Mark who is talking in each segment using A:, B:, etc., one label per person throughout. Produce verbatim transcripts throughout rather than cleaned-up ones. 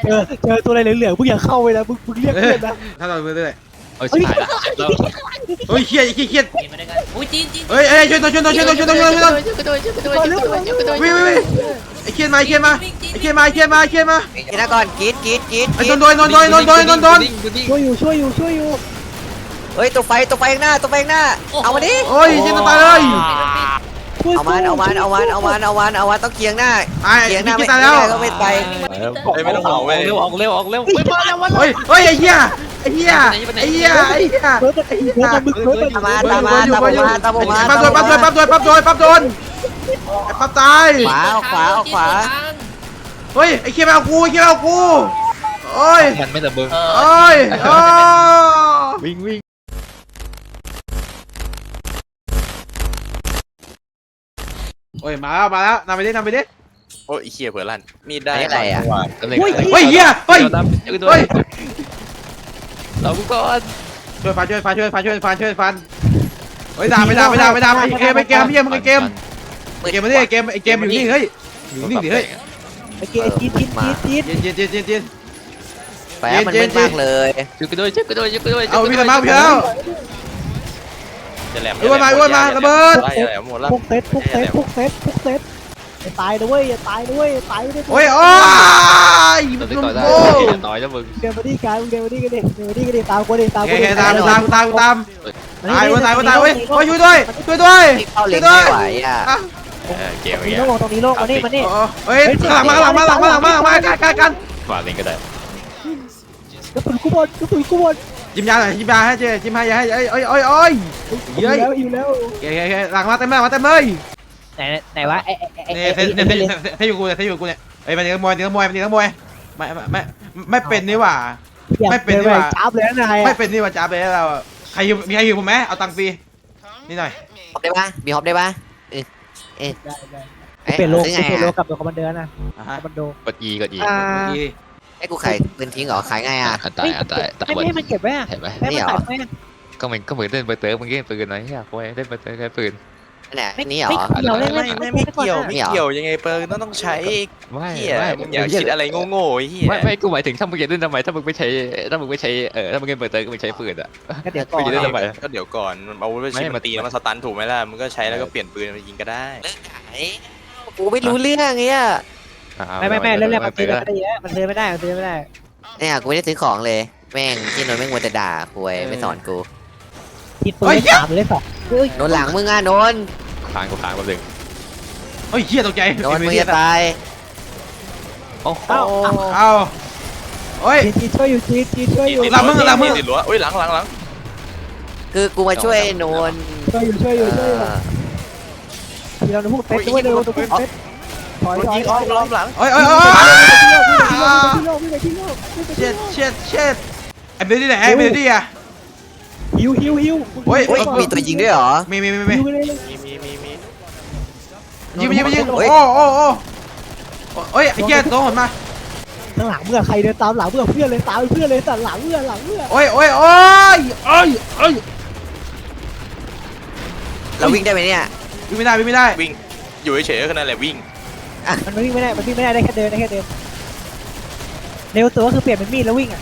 A: เจอเจอตัวอะไรเหลืองๆมึงอย่าเข้าไปนะมึงมึงเรียกเพื่อนนะ
B: ถ้าเราเรื่อย
C: เอาชิบหายละเรา
B: ๆเฮ้ยเครียดเครียดเครียด
D: กินมาด้วยกันอุ้ยจีนจีน
B: เฮ้ยเฮ้ยช่วยหน่อยช่วยหน่อยช่วยหน่อยช่วยหน่อยช่วยหน่อยช่วยหน่อย
D: ช่วยด้วยช่วยด้วยช่วยด้วยช่วยด้วย
B: วิ่งวิ่งวิ่งไอ้เครียดมาไอ้เครียดมาไอ้เครียดมาไอ้เครียดมาไอ้เครียดมา
E: กินนะก่อนกินกินกิน
B: ไอ้โดนโดนโดนโดนโดนโดนโดนโดน
A: ช่วยอยู่ช่วยอยู่ช่วยอยู่
E: เฮ้ยตัวไฟตัวไฟข้างหน้าตัวไฟข้างหน้าเอามาดิ
B: โอ้ยเจนตายเลย
E: เอามันเอามันเอามันเอามันเอามันเอามันต้องเคียงหน้า
B: ไอ้
E: เคียงห
B: พี่
E: น้า
B: กิ
E: ไม่
B: นตาย
E: ได้
B: แล้ว
E: ก็ไม่ไป
C: ไม่ต้องห่วงเร็วออกเร็วออกเร็วไม่มาแล้ว
B: เฮ้ยเฮ้ยไอ้เหี้ยไอ้เหี้ยไอ้เหี้ยไอ้เหี้ย
A: เบิร์ดมันไอ้เบิร์ดมันมึงเบิร์ดมัน
E: ตามมาตามมาตามมาตามมา
B: ปั๊บโดนปั๊บโดนปั๊บโดนปั๊บโดนปั๊บโดนไอ้ปั๊บตาย
E: ขวาขวาขวา
B: เฮ้ยไอ้เครียดมาเอากูไอ้เครียดมาเอากูโอ้ย
C: มันไม่แต่เบิ้ง
B: โอ้ยโอ้
C: วิ่งวิ่ง
B: โอ้ยมาแล้วมาแล้วนำไปดินำไปดิ
F: โอ้ยเขี้ยเผื่อลั่นมีดได้
E: อะไรอ่ะ
B: เฮ้ยเหี้ยเฮ้ย
C: เฮ้ยเรากูก่อน
B: ช่วยฟันช่วยฟันช่วยฟันช่วยฟันช่วยฟันเฮ้ยด่าไม่ด่าไม่ด่าไม่ด่าไอ้เกมไอ้เกมพี่มึงไอ้เกมไอ้เกมมาดิไอ้เกมไอ้เกมอยู่นี่เฮ้ยอยู่นี่ดิเฮ้ย
A: ไอ้เกียร์จีนจีนจีนจีน
B: เย็นเย็นเย็นเย็นเย็น
E: แฝงมันไม่มากเลย
C: ช่วยกูด้วยช่วยกูด้วยช่วยกูด้วย
B: เอาพี่สมัครพี่แล้ว
F: จะแหลม
B: อ้วนมาอ้วนมาระเบิด
F: ได้แหลมหมดแล้ว
A: พวกเซตพวกเซตพวกเซตพวกเซตอย่าตายนะเว้ยอย่าตายนะเว้ยอย่าตายไม่ได้
B: โอ้ยโอ้ย
C: เราได้
B: ลุ
C: ต่อยได้
B: โบ้
C: ต่อยแล้วมึง
A: เดินมาที่การเดินมาที่กันดิเดินมาที่กันดิตามกูดิตาม
B: โอ
A: กู
B: เค
A: ดิ
B: ตามตามตามตามตายอ้วนตายอ้วนตายเว้ยโอ้ยช่วยด้วยช่วยด้วย
E: ที่เข้า
B: ช่
E: เล็
B: วย
E: ง
B: ด้ว
E: ไม่
B: ย
E: ไหวอ่ะ
F: เกม
A: ตรง
F: เงี้
A: นี้
F: ย
A: โลกตรงนี้โลกมานี่มานี่
B: เฮ้ยหลังมาหลังมาหลังมาหลังมาหลังมากันกันกัน
C: ฝากเองก็ได้
A: กระสุนกูบอลกระสุนกูบอล
B: จิ้มยาหน่อยจิ้มยาให้เจ๊จิ้มให้ยาให้เอ้ยเอ้ยเอ้ยเอ้ย
A: อยู่แล้วอยู่แล้ว
B: โอเคโอเคหลังมาเต็มเลยมาเต็มเลย
A: ไหนไหนวะไอ้ไอ้
B: เนี่ยเทเนี่ยเทเทอยู่กูเนี่ยเทอยู่กูเนี่ยเอ้ยมันนักมวยนักมวยมันนักมวยไม่ไม่ไม่เป็นนี่หว่า ไม่เป็นดีกว่า
A: จับเลยนาย
B: ไม่เป็นนี่หว่าจ้าไปเราใครมีใครอยู่ผมไหมเอาตังค์ฟรีนี่หน่อย
E: ฮอปได้ปะมีฮอปได้ปะเออเออ
A: เปลี่ยนโลก
E: ซื้อ
A: เป
E: ไง
A: ลี่ยนโลก
E: อ่ะ
A: กับตัวคอมมานเดอร์นะ
B: อ่ะ
A: ค
B: ฮะ
A: อมมานโด
C: กด E กด E
A: อ่า
E: ให้กูขายปืนทิ้งเหรอขายไงอ่ะ
C: อันตายอันตายตาย
A: ไม่ให้มันเก็บไว้อะ
C: เห็นไหม
A: ให้มันตัดไว้
C: ก็เหมือนก็เหมือนเล่นเบอร์เตอร์มึงเล่นปืนน้อยเฮียกูเล่นเบอร์เตอร์แค่ปืน
E: เนี่ย
A: ไม่
E: นี่เหรอ
A: ไม่เกี่ยวเลย
F: ไม่ไม่ไม่เกี่ยวไม่เกี่ยวยังไงเปิร์ต้องต้องใช้
C: ไม่
F: เหี้ย
C: ไม่
F: มึงอย่าคิดอะไรโง่ๆไอ้เหี้ย
C: ไม่ไม่กูหมายถึงถ้ามึงจะเล่นทำไมถ้ามึงไม่ใช้ถ้ามึงไม่ใช้เออถ้ามึงเล่นเบอร์เตอร์ก็มึงใช้ปืนอ่ะ
A: ก็เดี๋ยวก่อ
C: ไม่
A: น
C: ได้ทำไม
F: ก็เดี๋ยวก่อนเอาไว้ชิมมันตีแล้วมันสตันถูกไหมล่ะมึงก็ใช้แล้วก็เปลี่ยนปืนมายิงก็ได้
E: เลิกขายกูไม่รู้เรื่องเงี้ย
A: ไม่ไม่ไม่เรื่องแรกมันซื้อไม่ได้มันซื้อไม่ได้มันซื้อไม่ได้
E: เนี่ยกูไม่ได้ซื้อของเลยแม่งที่นนท์แม่งมัวแต่ด่าคุยไม่สอนกู
A: ผิดปืนเลขสามเลยสองเฮ้ย
E: โดนหลังมึงอ่ะโดน
C: ค้างกูค้างแป๊บนึง
B: เฮ้ยเฮียตกใจ
E: โดนมึงจะตาย
C: โอ้โห
A: เอ้า
B: เอาโอ้ย
A: จีช่วยอยู่จีจีช่วยอยู่
B: หลังมึงหลังมึง
F: ติดรั้วอุ้ยหลังหลังหลัง
E: คือกูมาช่วยโนน
A: ช่วยอยู่ช่วยอยู่ช่วยอยู่ทีเราพูดเซ็ตด้วยเร็วตัวเซ็ตถอยถอย
F: ยิงอ้อมล้อมหลัง
B: โอ้ยโอ้ยโอ้ย
A: ที่โลกที่โลก
B: เช็ดเช็ดเช็ดไอ้เบลลี่ไหนไอ้เบลลี่อะ
A: ฮิวฮิวฮิว
E: เฮ้ยมีตัวยิงด้วยเหรอ
B: มีมีมีมี
A: ฮิวเลย
F: มีมีมีมี
B: ยิงยิงยิงโอ้โอ้โอ้โอ้ยไอ้เหี้ยโดนมา
A: ข้างหลังเมื่อใครเดินตามหลังเมื่อเพื่อนเลยตามเพื่อนเลยแต่หลังเมื่อหลังเมื่อ
B: โอ้ยโอ้ยโอ้ยโอ้ยโอ้ย
E: เราวิ่งได้ไหมเนี่ย
B: วิ่งไม่ได้วิ่งไม่ได้
F: วิ่งอยู่เฉยๆก็นั่นแหละวิ่ง
A: มันวิ่งไม่ได้มันวิ่งไม่ได้ได้แค่เดินได้แค่เดินเร็วตัวก็คือเปลี่ยนเป็นมีดแล้ววิ่งอ่ะ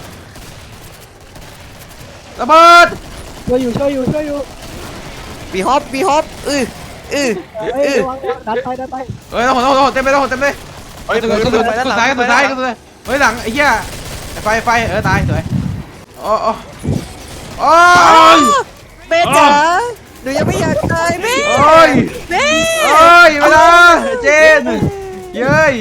B: ระเบิด
A: ช่วยอยู่ช่วยอยู่ช่วยอยู่
E: บีฮอปบีฮอปอืออือ
A: เอ้ยระวังดันไปดันไป
B: เฮ้ยต้องต้องต้องเต็มเลยต้องเต็มเลย
F: เฮ้ย
B: สุด
F: ปืน
B: สุด
F: ปื
B: สุ
F: น
B: ด
F: ไปด้านหลัง
B: ซ้ายสุดซ้ายสุดซ้ายเฮ้ยหลังไอ้เหี้ยไฟไฟเออตายสวยโอ้โอ้โอ้ย
E: เบ้จ๋าหนูยังไม่อยากตายเบ้
B: โอ้ย
E: เบ้
B: โอ้ยมาละเจนเย้ย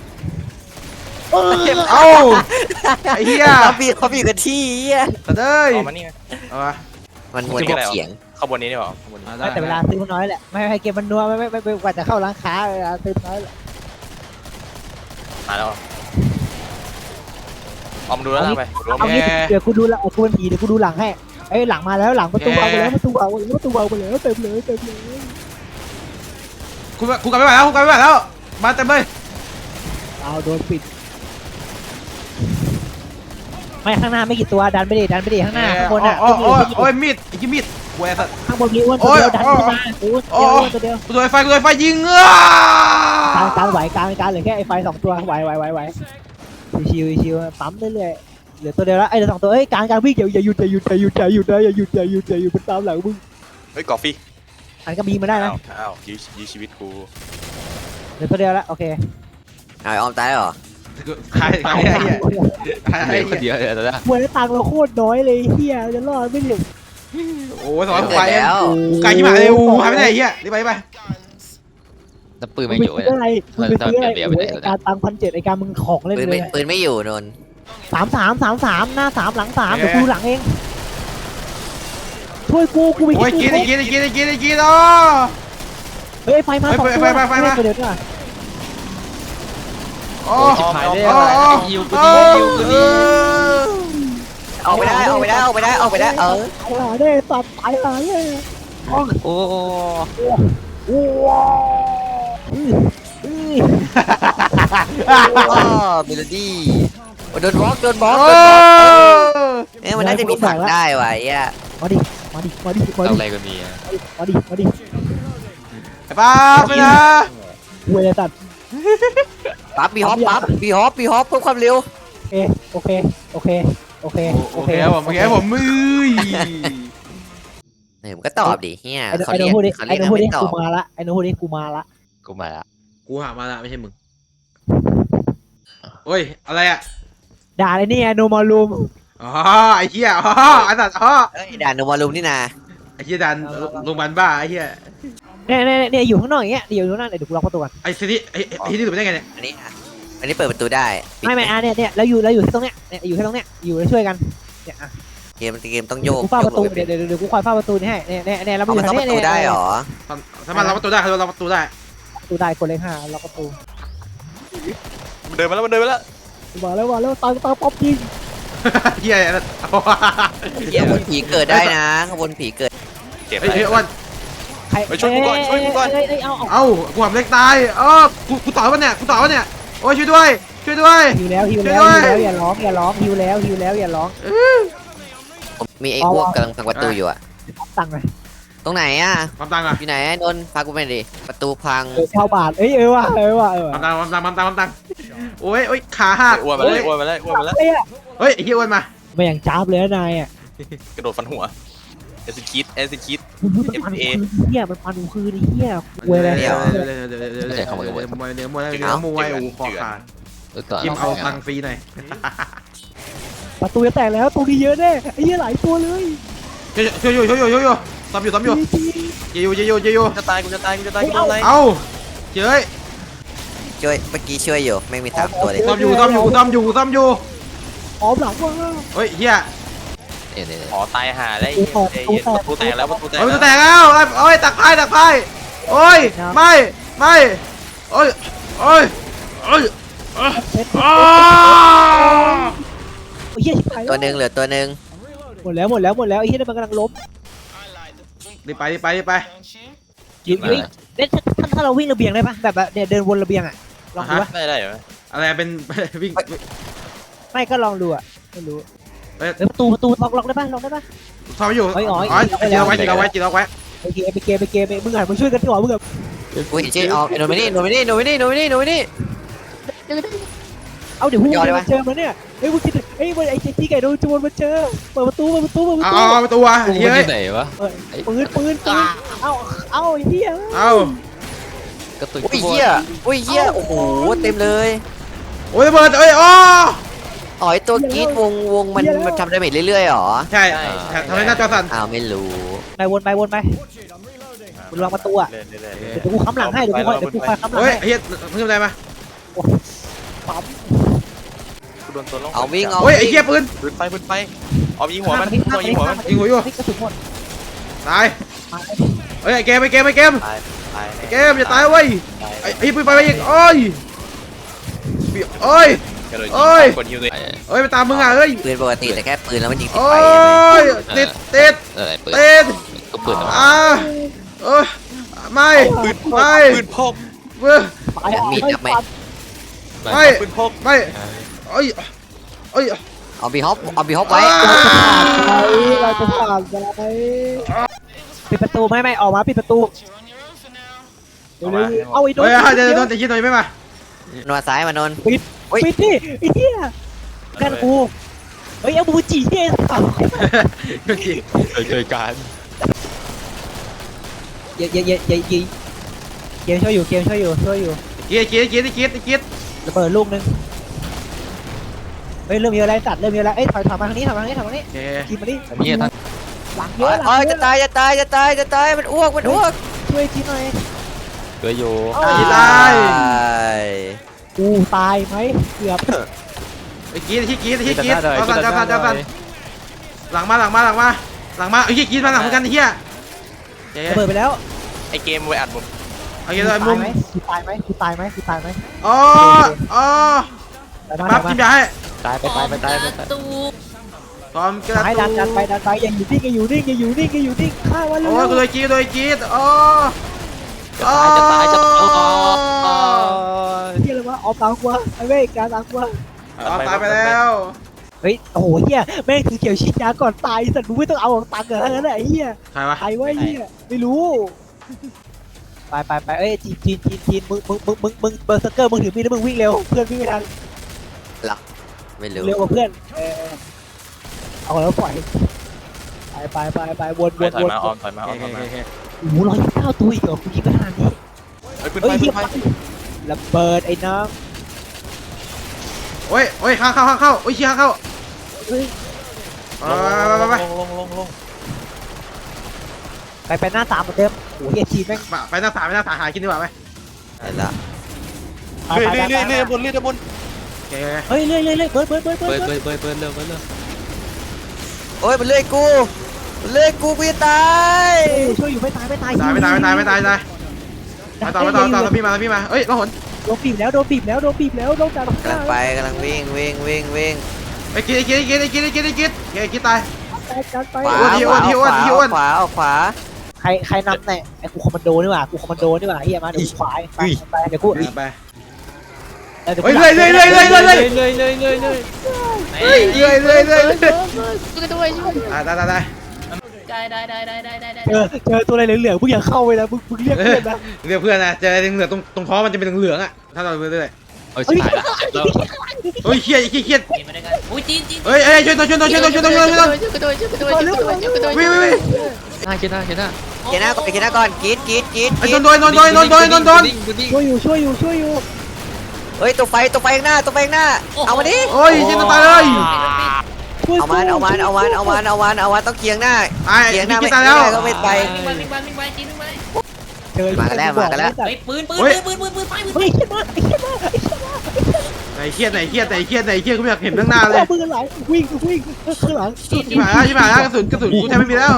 B: เอ้าไอ้เหี้ย
E: เขาบีเขาบีกันที่เหี้ย
B: ตัดเอ้ย
F: เอามานี่
B: เอามา
E: มันมวนกับเสียง
F: ข้างบนนี้ดีกว่าข้างบนนี้
A: แต่เวลาซื้อมันน้อยแหละไม่ให้เกมมันนัวไม่ไม่ไม่กว่าจะเข้าร้านค้าเวลาซื้อน้อยแหละ
F: มาแล้วเอามาดูแล้วไปดู
A: เอางี้เดี๋ยวกูดูละกูเป็นผีเดี๋ยวกูดูหลังให้เอ้ยหลังมาแล้วหลังประตูเอาไปแล้วประตูเอาไปแล้วประตูเอาไปแล้วเต็มเลยเต็มเลย
B: กูกูกลับไม่ไหวแล้วกูกลับไม่ไหวแล้วมาเต็มเลย
A: เอาโดนปิดไม่ข้างหน้าไม่กี่ตัวดันไปดิดันไปดิข้างหน้าข้างบนอ่ะ
B: โอ้โอ้โอ้ยมีดไอ้ที่มีดกูไอ้สัตว์
A: ข้างบนมีอ้วนตัวเดียวดันขึ้นมาอ้วนตัวเดียวตัวเดียว
B: กูโดนไฟกูโดนไฟยิงเอ้
A: กลางกลางไหวกลางกลางเหลือแค่ไอ้ไฟสองตัวไหวไหวไหวไหวชิวๆชิวๆปั๊มเรื่อยๆเหลือตัวเดียวแล้วไอ้เหลือสองตัวเอ้ยการการวิ่งอย่าอย่าหยุดอย่าหยุดอย่าหยุดอย่าหยุดนะอย่าหยุดอย่าหยุดอย่าหยุดมันตามหลังมึง
F: เฮ้ยกอฟฟี่
A: อันก็มีมาได้นะ
F: อ้าวอ้าวยื้อยื้อชีวิตกู
A: เหลือตัวเดียวแล้วโอเค
E: เอาไอ้ออมตายแล้วเหรอ
B: ใครใครไอ้เหี้ยใคร
C: เห
B: ไอ้
C: ลือคน
B: เหี้ย
C: เดียวเลยตอนนี้
A: มวยแล้วตังค์เราโคตรน้อยเลยเฮียจะรอดไม่ถึง
B: โอ้ยสอน
E: เกิ
B: ไฟ
E: ดแล้ว
B: ไกลที่หมาเลยอูหายไปไหนไอ้เหี้ยรีบไปไป
C: น้ำปืน
A: มึ
C: ไม่
A: ง
C: อยู่
A: ไป
C: เลย
A: ซื้ออะไรมึงไปซื้ออะไร
C: เดี๋ยวไปไหน
A: โอ้ยการตังพันเจ็ดไอ้การมึงของเล่น
E: ปืน
A: เล
E: ไม่
A: ย
E: ปืนไม่อยู่นน
A: สามสามสามสามหน้าสามหลังสามเดี๋ยวกูหลังเองช่วยกูกูไป
B: โอ้ยกินไอ้
A: กู
B: กินไอ้กินไอ้กินไอ้กินอ๋อ
A: เฮ้ยไฟมาสองตัว
B: ไฟไฟไฟมา
A: เดี๋ยวด้วย
B: โอ้
C: ชิบหายเลย
B: โอ้โอ้
C: ยิวกู
B: โอ้
C: ดียิวกูดี
E: ออกไปได้ออกไปได้ออกไปได้ออกไปได้เออ
A: ตายหาได้ตัดตายหาเลย
C: โอ้
A: โอ้อืออือ
E: อ๋อเมโลดี้โดนบล็อกโดนบล็อก
B: โอ้
E: โดนบล็อกเอ้ยมันน่าจะมีถังได้ว่ะไอ้เหี้ย
A: มาดิมาดิมาดิมา
C: เอา
A: ดิ
C: อะไรกันมี
A: มาดิมาดิ
B: ไอ้ป้าไปนะ
A: เวลาตัด
E: ปั๊บบีฮอปปั๊บบีฮอปบีฮอปเพิ่มความเร็ว
A: โอเคโอเคโอเคโอเค
B: โอเคครับผมโอเคครับผมมือ
E: เฮ้ยมันก็ตอบดิเฮีย
A: ไอ้
E: เขา
A: ไอ้
E: เรี
A: โน้
E: ยก
A: พูดดิ
E: เขา
A: ไอ้
E: เรียก
A: โน้พูดดิ
E: ไม่ตอ
A: กู
E: บ
A: มาละไอ้โน้พูดดิกูมาละ
C: กูมาละ
B: กูหามาละไม่ใช่มึงโอ้ยอะไรอ่ะ
A: ด่าเลยนี่ไอ้โนมาลูม
B: อ๋อไอ้เหี้ยอ๋อไอ้สัตว์อ๋อ
E: เอ้ยด่านโนมารุมนี่นา
B: ไอ้เหี้ยดันโรงพยาบาลบ้าไอ้เหี้ย
A: เนี่ยเนี่ยเนี่ยอยู่ข้างนอกอย่างเงี้ยเดี๋ยวอยู่ข้างนอกเดี๋ยวกูล็อกประตูก่อน
B: ไอ้ซีนี่ไอ้ไอ้ที่นี่ถูกได้ไงเนี่ย
E: อันนี้อ่ะอันนี้เปิดประตูได้ปิด
A: ไม่ไม่อ่ะเนี่ยเนี่ยเราอยู่เราอยู่ที่ตรงเนี้ยเนี่ยอยู่ที่ตรงเนี้ยอยู่แล้วช่วยกันเนี่ยอ่ะ
E: เกมเกมต้องโยก
A: กูเฝ้าประตู
E: โยก
A: เดี๋ยวเดี๋ยวเดี๋ยวกูคอยเฝ้าประตูนี่ให้เนี่ยเนี่ยเนี่ยเรา
E: เอา
A: อยู่
E: มัน
A: ทา
E: เข้าง ป
A: เนี้ย
E: ระตูได้เหรอ
B: สามารถล็อกประตูได้เขาล็อกประตูได้
A: ประตูได้กดเลขห้าล็อกประตู
F: มันเดินมาแล้วมันเดินมาแล้ว
A: มาแล้วมาแล้วตังตังป๊อปยิง
B: เหี้ย
E: เฮียขบวนผีเกิดได้นะขบวนผีเกิด
F: เจ็บ
B: เฮ้ย
F: ไป
B: เฮ้ยอ้วน
A: ใคร
F: ไปช่วยกูก่อนช่วยกูก่อน
A: เอ้ยเอ้ยเอาเอา
B: เอ้ากูหำเล็กตายเออกูกูต่อวะเนี่ยกูต่อวะเนี่ยโอ้ยช่วยด้วยช่วยด้วย
A: หิวแล้วหิวแล้ว
B: ช่วย
A: หิว
B: ด้วย
A: แล้วอย่าร้องอย่าร้องหิวแล้วหิวแล้วอย่าร้อง
E: ผมมีไอ้อ้วกกำลังพังประตูอยู่อะ
A: ตังค์เลย
E: ตรงไหนอ่ะ
B: ความตังค์อ่ะ
E: อยู่ไหนนนท์พากูไปดิประตูพัง
A: เออเช่าบาทเอ้ยเออว่ะเออว่ะเออ
B: ความตังค์ความตังค์ความตังค์ความตังค์โอ้ยโอ้ยขาหัก
F: อ้วนมาแล้วอ้วนมาแล้วอ้วนมาแล้ว
A: เอ้ยอะ
B: เฮ้ยไอ้เหี้ยอ้วนมา
A: ไม่อย่างจ้าบเลยนะนายอ่ะ
F: กระโดดฟันหัวเอซิคิดเอซิคิด
A: มันพันคืนเหี้ยมันพันคืนเหี้ยเว้ยเลย
B: เดี๋ยวเดี๋ยวเดี๋ยวเดี๋ยวเดี๋ยวเดี๋ยวมวยเนื้อมวยเนื้อมวยโอ้คอขาด
C: เออก่อน
B: กิมเอาตังค์ฟรีหน่อย
A: ประตูจะแตกแล้วตัวนี้เยอะแน่ไอ้เหี้ยหลายตัวเลย
B: ช่วยช่วยช่วยช่วยช่วยช่วยซ้ำอยู่ซ้ำอยู่เจยูเจยูเจยู
F: จะตายกูจะตายกูจะตายกูโดนอะไร
B: เอ้าเจ้ย
E: ช่วยเมื่อกี้ช่วยอยู่ไม่มีสามตัวเลย
B: ซ้ำอยู่ซ้ำอยู่ซ้ำอยู่ซ้ำอยู่
A: ออมหลังว่า
B: เฮ้ยเฮีย
C: เนี่ยเนี่ย
F: อ๋อตายห่าแล้วไอ้เหี้ยประตูแตกแล้วประตูแตก
B: เฮ้ยมัน
F: แล้ว
B: จะแตกแล้วโอ้ยตักไพ่ตักไพ่โอ้ยไม่ไม่โอ้ยโอ้ยโอ้ย
A: เซ็ต
B: อ้า
A: เหี้ยชิบหาย
E: ตัวหนึ่งเหลือตัวหนึ่ง
A: หมดแล้วหมดแล้วหมดแล้วไอ้เหี้ยมันกำลังล้ม
B: รีบไปรีบไปรีบไป
A: ยิงวิ่งเนี่ยถ้าถ้าเราวิ่งระเบียงได้ปะแบบแบบเนี่ยเดินวนระเบียงอ่ะลองดูปะ
F: ได้ได้เหรอ
B: อะไรเป็นวิ่ง
A: ไม่ก็ลองดูอ่ะไม่รู้
B: เฮ้ย
A: เฮ้ยประตูประตูล็อกล็อกได้ปะล็อกได้ปะ
B: ซ้ำอยู่
A: อ๋ออ๋อ
B: อ๋อจีเราไว้จีเราไว้จีเราไว้
A: โอเคไปเกมไปเกมไปมึงหันมาช่วยกันก่อนมึงแบบ
E: กูเห็นชื่อออกโนมินี่โนมินี่โนมินี่โนมินี่โนมินี่
A: เอาเดี๋ยวพวกมึ
E: ยอดเลย
A: ง
E: ปะ
A: มาเจอมาเนี่ยเฮ้ยมึงคิดเฮ้ยไอ้ที่ไก่โดนจวนมาเจอเปิดประตูเปิดประตูเปิดประ
B: เอา
A: ตู
B: เอาประตูอ่ะ
C: กู
B: เฮ้
C: มัน
B: ย
C: อยู่ไหนวะ
A: เออปืนปืนปืนเอาเอาไอ้เหี้ย
B: เอา
C: กระตุก
E: อุ้ยเหี้ยอุ้ยเหี้ยโอ้โหเต็มเลย
B: โอ้ยระเบิดเอ้ยอ๋อ
E: อ๋อไอตัวกรีดวงวงมันมันทำดาเมจเรื่อยๆหรอ
B: ใช่ทำให้หน้าจอสั่น
E: อ้าวไม่รู้
A: ไปวนไปวนไปมึงลองประตูอ่ะ
F: เล่นเล่น
A: เดี๋ยวกูค้ำหลังให้เดี๋ยวกูคอยเดี๋ยวกูคอยค้ำหลัง
B: เฮ้ย
A: ให้
B: เฮียมึงทำอะไรมา
A: ปั๊ม
F: กูโดนตัวล่อง
E: เอาวิ่งเอา
B: เฮ้ยไอ้เหี้ยปืน
F: ปืนไฟปืนไฟออมยิงหัวมันตัวยิงหัวมัน
B: ยิงหัวอยู่
A: นี่กระสุนหมด
B: ตายเฮ้ยไอ้เกมไอ้เกมไอ้เกม
F: ตายตาย
B: ไอ้เกมอย่าตายเว้ยไอ้ไอ้ปืนไปไปอีกโอ้ยโอ้ย
F: กระโดด
B: โอ้ย
F: ยิงกดฮิวเลย
B: เฮ้ยไปตามมึงอ่ะเฮ้ย
E: ปืนปกติแต่แค่ปืนแล้วมันยิงติด
B: โอ้
E: ไฟ
B: ยติดติด
C: อะไรปืน
B: ติด
C: ก็ปืน
B: อ่าเออไม่
F: ปืนพก
B: ไม่
F: ปืนพก
B: เว้ย
A: ตายอ่ะ
E: มีดจับไหม
B: ไม่
F: ปืนพก
B: ไม่เอ้ยเอ้ย
E: เอาบีฮอปเอาบีฮอปไว้
A: เราจะผ่านไปปิดประตูไม่ไม่ออกมาปิดประตูเร็วๆเอาไอ้โดน
B: เฮ้ยเดี๋ยวโดนแต่ยิงหน่อยไม่มา
E: นัวซ้ายมานน
A: ปิดปิดดิไอ้เหี้ยกันกูเฮ้ยเอาบูจีเองเปล่า
C: เคยการ
A: เย่เย่เย่เย่เย่เกมช่วยอยู่เกมช่วยอยู่ช่วยอยู่
B: เกียร์เกียร์เกียร์เกียร์เกียร์
A: ระเบิดลูกนึงเฮ้ยเริ่มมีอะไรสัตว์เริ่มมีอะไรเอ้ยถอยถอยมาทางนี้ถอยมาทางนี้ถอยมาทางนี้
B: โอเค
A: ทีมมาดิ
C: อันนี้ท่าน
A: หลังเยอะหลั
E: โอ้
A: ง
E: ย
A: เย
E: จะ
A: อะ
E: ตายจะตายจะตายจะตายจะตายมันอ้วกมันอ้วก
A: ช่วยทีมหน่อย
C: เหลืออยู่
B: กีตาย
A: กูตายไหมเกือบ
B: ไอ้กีร์ที่กีร์ที่กีร์เอาสั่นเอาสั่นเอาสั่นหลังมาหลังมาหลังมาหลังมาไอ้กีร์มาหลังเหมือนกันไอ้เหี้ย
A: ระเบิดไปแล้ว
F: ไอเกมไว้อัดผม
B: โอเคเลยมุ
A: ตาม ยไหมกูตายไหมกูตายไหมกูตายไหม
B: อ๋ออ๋อ
A: ไปมา
B: ปั๊บ
A: ไป
B: กิน
A: มาย
B: าให้
C: ตายไปตายไปตายไปตาย
D: ตู
B: พร้อมกระ
A: ซ้ายดันดันไปดันไปอย่าอยู่นิ่งอย่าอยู่นิ่งอย่าอยู่นิ่งอย่าอยู่นิ่งฆ่าวันเล
B: โอ้ย
A: ย
B: กูโดนกีร์โดนกีร์อ๋อ
C: จะตายจะตายจะตาย
A: เฮียอะไรวะออกตามกูวะไอ้เว้ยการตามกูวะ
B: อ๋อตายไปแล้ว
A: เฮ้ยโอ้โหเฮียแม่งถือเขียวฉีดยาก่อนตายสัตว์มึงไม่ต้องเอาตังค์เหรอทั้งนั้นแหละไอ้เฮีย
B: ใครวะ
A: ใครวะไอ้เฮียไม่รู้ไปไปไปเอ้ยจีนจีนจีนจีนมึงมึงมึงมึงมึงเบอร์สเกอร์มึงถือมีดแล้วมึงวิ่งเร็วเพื่อนวิ่งไม่ทัน
E: ไม่รู้
A: เร็วกว่าเพื่อนเออเอาแล้วปล่อยไปไปไปไปวนวน
F: ถอย
A: วน
F: มาออมถอยมาอ
B: โอ
F: อม
B: เค
F: ถอย
B: โอ
F: มา
B: เค
A: โอ้โหร้อยเก้าตัวอีกเหรอคุณยิงไปขนาดนี้
F: เฮ้ยขึ้น
A: เฮ้
F: ไป
A: ยเฮี
F: ขึ้
A: ย
F: นไป
A: ระเบิดไอ้น้อง
B: โอ้ยโอ้ยเข้าเข้าเข้าเข้าโอ้ยเชี่ยเข้า
A: เฮ้ย
B: ไปไปไป
F: ลงลงลงลง
A: ไปไปหน้าสามเหมือนเดิมโอ้โหเฮียจีนแม่ง
B: ไปหน้าสามไปหน้าสามหากินดีกว่าไหม
E: เห็นละ
A: ไป
F: เรื่อย
A: ไป
F: เรื่อย
A: ไป
F: เรื่อยบนเรื่อยบน
B: โอเค
A: เฮ้ยเรื่อยเรื่อยเรื่อยเบิร์ดเบิร์ดเบิร์ดเบิ
C: เปิ
A: ร์
C: ด
A: ด
C: เปิดเปิดเปิดเร็วเปิดเร็ว
E: โอ้ยมันเลื่อยกูมันเลื่อยกูกูจะตาย
A: ช่วยอยู่ไม่ตายไม่ตาย
B: ตายไม่ตายไม่ตายไม่ตายตายมาต่อมาต่อต่อพี่มาพี่มาเอ้ยเราหน
A: โดนบีบแล้วโดนบีบแล้วโดนบีบแล้วโดนจับ
E: กำลังไปกำลังวิ่งวิ่งวิ่งวิ่ง
B: ไอ้กีไอ้กีไอ้กีไอ้กีไอ้กีไอ้กีไอ้กีตาย
A: จัดไป
E: ขวา
B: ที่
E: ข
B: อ้ว
E: วาน
B: ที่อ้วนที่อ้วน
E: ขวาเอาขวา
A: ใครใครนำเนี่ยไอ้กูคอมมานโดนี่หว่ากูคอมมานโดนี่หว่าเฮียมาเดี๋ยวกูขวายไปไปเดี๋ยวกู
B: ไป
A: เดี๋ยวกู
B: เฮ้ยเรื่อยเรื่อยเรื่อยเรื่อยเรื่อย
C: เลยเลยเลยเลยเลย
B: เฮ้ยเรื่อยเรื่อยเรื่อย
D: ช่วยกันด้วยช่วย
B: อ่าได้ได้ได้
D: ได้ได้ได้ได้ได้ได้
A: เจอเจอตัวอะไรเหลืองๆมึงอย่าเข้าไปนะมึงมึงเรียกเพื่อนนะ
B: เรียกเพื่อนนะเจอเหลืองตรงตรงท้องมันจะเป็นเหลืองอ่ะถ้าเราเรื่อย
C: เออชิบหายละแล้ว
B: เฮ้ยเครียดเครียดเครียด
D: กินมาด้วยกันอุ้ยจีนจีน
B: เฮ้ยเฮ้ยช่วยตัวช่วยตัวช่วยตัวช่วยตัวช่วยตัว
D: ช่วยกันด้วยช่วยกันด้วยช่วยกันด้วยช่วยกันด้วยช่วยกันด้วย
B: วิ่งวิ่งวิ่ง
C: หน้าคิดหน้าคิดหน้า
E: เกียร์หน้าก่อนเกียร์หน้าก่อนกรีดกรีดกรีด
B: ไอ้โดนโดนโดนโดนโดนโดนโดนโดน
A: ช่วยอยู่ช่วยอยู่ช่วยอยู่
E: เฮ้ยตัวไฟตัวไฟข้างหน้าตัวไฟข้างหน้าเอามาดิ
B: โอ้ยยิงตายเลย
A: ช่วย
E: เอามันเอามันเอามันเอามันเอามันเอามันต้องเคียงหน้า
B: ไอ้
E: เคียงห
B: พี่
E: น้า
B: กิ
E: ไม่
B: นตายแล้ว
E: ได้ก็ไม่ไป
D: วิ่งไปวิ่งไปวิ่งไปจีนวิ่งไป
A: เจอ
E: มากันแล้วมากันแล้ว
D: เฮ้ยปืนปืนปืนปืนปืนไฟปืน
A: เฮ้ยเฮียมาไอ้เฮียมาไอ้เฮียมา
B: ไหนเครียดไหนเครียดไหนเครียดไหนเครียดกูอยากเห็นข้างหน้าเลย
A: มือหลังวิ่งวิ่งข้างหลัง
B: ชิบหายแล้วชิบหายแล้วกระสุนกระสุนกูแทบไม่มีแล้ว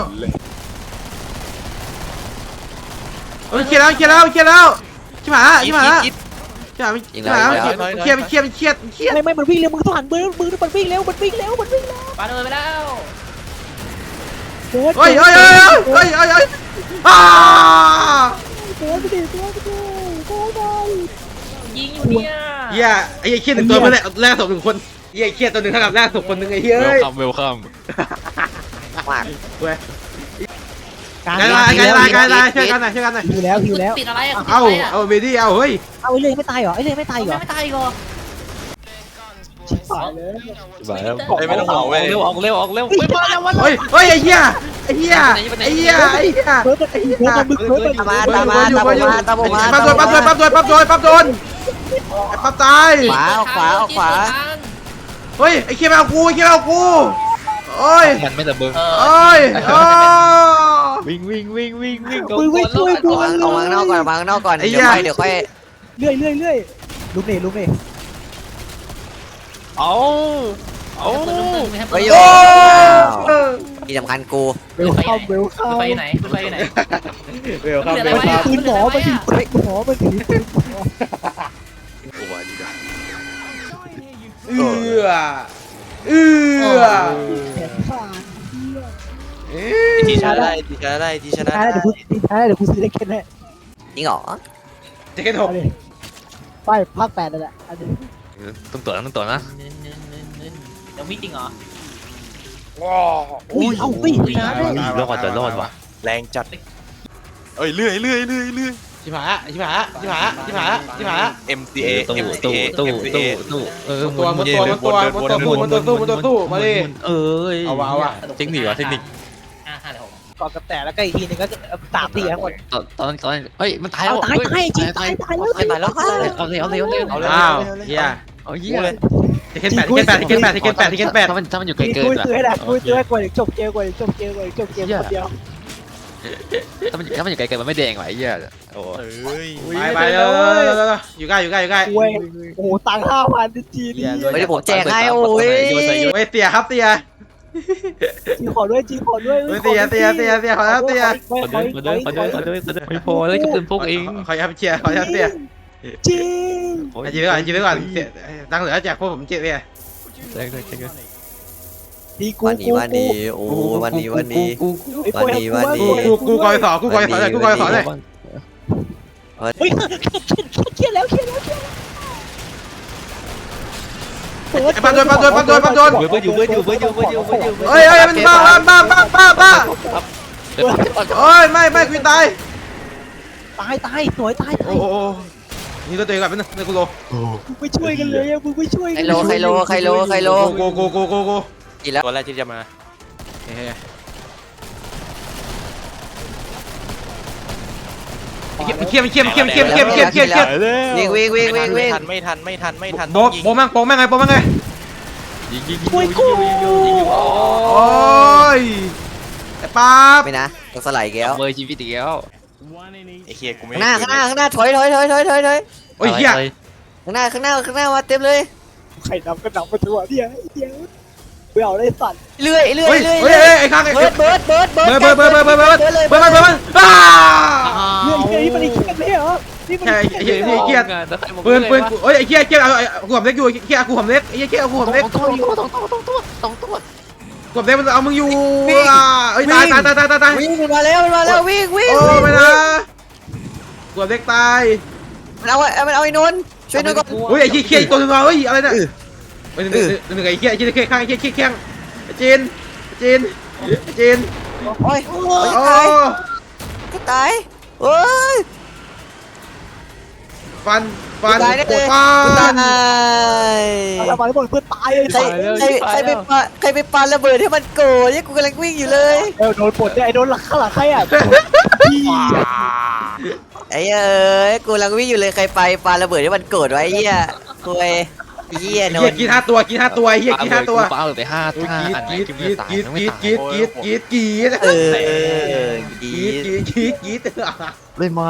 B: เฮ้ยเครียดแล้วเครียดแล้วเครียดแล้วชิบหายแล้วชิบหายแล้วชิบหายชิบหายแล้วเครียดเครียดเครียดเครียด
A: ไม่ไม่มันวิ่งเร็วมึงต้องหันมือมือมันวิ่งเร็วมันวิ่งเร็วมันวิ่งเร็ว
D: ปาโดนไปแล้ว
A: เฮ้ย
B: เฮ้ยเฮ้ยเฮ้ยเฮ้ยเฮ้ยเฮ้ยอ้า
A: เฮ้ยไปดิเฮ้ยไปดิเฮ้ยไป
D: ยิงอยู่เนี่ย
B: เฮียไอ้เครียดหนึ่งตัวมาแรกแรกศพหนึ่งคนเฮียเครียดตัวหนึ่งเท่ากับแรกศพคนหนึ่งไอ้เฮ้
C: เวย ลคัมเวลคัม
E: มาก
B: เว้ย
A: การ
B: ไกลไลน์ไกลไลน์ไกลไลน์ช่วยกันหน่อยช่วยกันหน่อย
A: หิวแล้วหิวแล้ว
D: ติดอะไรอ่ะ
B: เอาเอาเบดี้เอาเฮ้ย
A: เอาไอ้เลยไม่ตายเหรอไอ้เลยไม่ตายเหรอ
D: ไม่ตายก่อ
A: ชิบหายเลย
C: ชิบหายแล้ว
F: เฮ้ยไม่ต้องห่วงเว้ย
C: เร็วออกเร็วออกเร็วไปมาแล้ววัน
B: เฮ้ยเฮ้ยไอ้เหี้ยไอ้เหี้ยไอ้เหี้ยไอ้เหี้ย
A: เบิร์ดมันไอ้เบิร์ดมันมึงเบิร์ดมัน
E: ตามมาตามมาตามมาตามมา
B: ปั๊บโดนปั๊บโดนปั๊บโดนปั๊บโดนปั๊บโดนไอ้ปั๊บตาย
E: ขวาเอาขวาเอาขวา
B: เฮ้ยไอ้เคียมาเอากูไอ้เคียมาเอากูโอ้ย
C: มันไม่ระเบิด
B: โอ้ยโอ้
C: วิ่งวิ่งวิ่งวิ่งวิ่ง
A: มึงไม่ช่วยกู
E: เอาวางเอาวางนอกก่อนวางนอกก่อนเดี๋ยวค่อยเดี๋ยวค่อย
A: เรื่อยเรื่อยเรื่อยลุกนี่ลุกนี่
C: เอาเอา
E: เฮ้ย
B: โอ้
E: ที่สำคัญกู
A: เวลคัมเวลคัม
D: ไปไหนไปไหน
B: เร็วครับ
A: มัน
B: เร็ว
A: ถื
B: ค
A: อ
B: รับ
A: ปืนหมอมันถือปืนหมอมันถือปืนหมอ
B: เอื้อเอื้อ
A: แขนขาด
F: ทีชนะได้ทีชนะได้ทีชนะ
A: ท้าย
F: ได้
A: เดี๋ยวกูท้ายเดี๋ยวกูซื้อได้แค่นี้
E: จริงเหรอ
B: เจ็ดหก
A: เอาดิไปภาคแปดนั่นแหละอันนี้
C: ต้องตัวนะต้องตัวนะ
D: เน้นเน้นเน้นเน้นเดี๋ยวมีจริงเหรอ
A: อุ้ยเอ้าอุ้ยชนะได้
C: รอดจะรอดว่ะ
F: แรงจัดเอ้ยเลื่อยเลื่อยเลื่อยเลื่อย
B: ชิบหายละชิบหายละชิบหายละชิบหายละชิบหายละ
F: เอ็ม ซี เอ
C: ตู้
F: เอ็ม ซี
C: ตู้
F: เอ
C: ตู้
F: เอ็ม ซี
C: ตู้
F: เอ
C: ตู้เออ
B: ตัวมันตัวมันตัวมันตัวมันตัวสู้มันตัวสู้มันตัวสู้มาดิ
C: เอ้ย
B: เอาวะเอาวะ
C: เทคนิคว่ะเทคนิค
D: ห้าห้าเดี๋ยวผม
A: ก่อนกับแต่แล้วก็อีกทีหนึงก็สามสี่ทั้งหมด
C: ตอนตอนตอนเฮ้ยมันตาย
A: เอา
C: แล้ว
A: ตายตายจริงตายตายแล้ว
E: ตายตายแล้ว
C: เอาเลยเอาเลยเอาเลย
B: เอาเลยอ้าวเฮีย
C: เอาเหี้ย
B: เทคเคนแปดเทคเคนแปดเทคเคนแปดเทคเคนแปดเทคเคนแปด
C: ถ้ามันถ้ามันอยู่ไกล
A: คุย
C: เกิน
A: คุย
C: อะ
A: ซื้อให้ได้คุยซื้อให้กว่าจบเกมกว่าจบเกมกว่าจบเกมคนเดียว
C: ถ้ามันถ้ามันอยู่ไกลเกินมันไม่แดงว่ะไอ้เหี้ยโอ้
F: เอ้ย
B: ไปไปเร็วอยู่ใกล้อยู่ใกล้อยู่ใกล้
A: คุยโอ้โหตังค์ห้าพันจีนี่
E: ไม่ได้ผมแจกให้โอ้ย
B: เฮ้ยเตียครับเตีย
A: จีขอด้วยจีขอด้วย
B: เฮ้ยเตียเตียเตียเตียขอแล้วเตีย
C: ขอด้วยขอด้วยขอด้วยขอด้วยขอด้วยไม่พอเลยก็เป็นพวกเอง
B: ขอยับเชียร์ขอยับเตีย
A: จริง
B: จีไว้ก่อนจีไว้ก่อนตังเหลือแจกพวกผมเจ็ดเตีย
C: แจ้งเลยแจ้งเลย
A: ดีกู
E: วันนี้วันนี้โอ้วันนี้วันนี้ วันนี้วันนี้
B: กูกูกอยสอกูกอยสอเลยกูกอยสอเลย
A: เฮ้ยเครียดแล้วเครียดแล้วเครียดแล้ว
B: ปันโดนปันโดนปันโดนปันโดน
C: เบิร์ดอยู่เบิร์ดอยู่เบิร์ดอยู่เบิร์ดอยู่เบิร์ดอยู่
B: เฮ้ยเฮ้ยมันบ้าบ้าบ้าบ้าบ้าเฮ้ยไม่ไม่กูตาย
A: ตายตายสวยตายตา
B: โอ้
A: ย
B: โหนี่ตัวเองกับเป็นในกูโล
A: มึงไม่ช่วยกันเลยมึงไม่ช่วย
E: ใครโลใครโลใครโลใครโล
B: โกโกโกโกโก
E: อีกแล้ว
F: ตัวแรกที่จะมา
B: เขี้ยมเขี้ยมเขี้ยมเขี้ยมเขี้ยมเขี้ยมเขี้ยมเขี้ยม
E: วิ่งวิ่งวิ่งวิ่ง
F: ไม่
E: วิ่ง
F: ทันไม่ทันไม่ทันไม่ทัน
B: โบโบแม่งโบแม่งไงโบแม่งไง
C: ยิงยิงยิงยิงยิงยิงยิงยิงยิง
B: โอ้ยไอ้ป๊าบ
E: ไม่นะต้องสไลด์แก้ว
C: เบอร์ชีวิตอีกแล้ว
F: ไอ้เฮียกูไม่
E: ข้างหน้าข้างหน้าข้างหน้าถอยถอยถอยถอยถอยถอย
B: โอ้ยเหี้ย
E: ข้างหน้าข้างหน้าข้างหน้ามาเต็มเลย
A: ใครนำก็นำมาทัวร์เนี่ยเดี๋ยวไปเอาได้สัตว์
E: เรื่อยเรื่อ
B: เฮ้
E: ย
B: ย
E: เรื่อย
B: เฮ้ยไอ้ข้างไอ้
E: เบิร์ดเบิร์ดเบิร์ด
B: เบิร์ดเบิร์ดเบิร์ดเบิร์ดเบิร์ดเบิร์ดเบิร์ดเบิร์ดเบิร์ดเบิร์ดเบิร์ดอ้า
A: เนี่ยนี่มันอีกแค่นี้เหรอนี่มัน
B: ใช่
A: อีก
B: ไอ้
A: แค่
B: เหี้ย
A: นี้
B: ไอ้เหี้ยปืนปืนเฮ้ยไอ้เหี้ยเหี้ยเอากูหอมเล็กอยู่เหี้ยกูหอมเล็กไอ้เหี้ยเหี้ยกูหอมเล็ก
C: ต้องตัวต้องตัวต้องตัวต้องตัว
B: กูหอมเล็กมันเอามึงอยู่อ่ะเอ้ยตายตายตายตายตาย
E: วิ่งมันมาแล้วมันมาแล้ววิ่งวิ่ง
B: โอ้ไม่นะกูหอมเล็กตาย
E: มันเอามันเอาไอ้นนท์ช่วยนนท์ก่อน
B: เฮ้ยไอ้เหี้ยเหี้ยอีกตัวนึงเฮ้ยอะไรเนี่ยเฮ้ยหนึ่งหนึ่งไอ้เหี้ยไอ้เหี้ยข้างไอ้เหี้ยเหี้ยข้างไอ้จีนไอ้จีนไอ้จีน
E: โอ้ยโอ้ย
B: โอ้
E: ตายก็ตายโอ้ย
B: ฟันฟัน
E: ตายได้เลย
B: ฟั
E: ตาน ย
A: เอามาแล้วหมดเพื่อนตายเลย
E: ใครใครใครไปปาใครไปปาระเบิดให้มันโกรธเนี่ยกูกำลังวิ่งอยู่เลย
A: เออโดนปลดเนี่ยไอ้โดนหลังข้างหลังใครอ่ะพี่
E: ไอ้เอ้ยกูกำลังวิ่งอยู่เลยใครไปปาระเบิดให้มันโกรธไว้เหี้ยคุยเหี้ยน
B: เหี้ย
E: นท์
B: กินห้าตัวกินห้าตัวเหี้ยกินห้าตัว
C: ปาเลยไปห้า
B: กี
C: ห้า
B: ด
C: อันไหน
B: กีด
C: กิน
B: กี
C: ไม่
B: ด
C: ตาย
B: กีด
C: ไม่
B: กีด
C: ตาย
B: กีดกีดกีดกีด
E: เออ
B: กี
E: กี
B: ดกีดกีดกีด
C: เล่นมา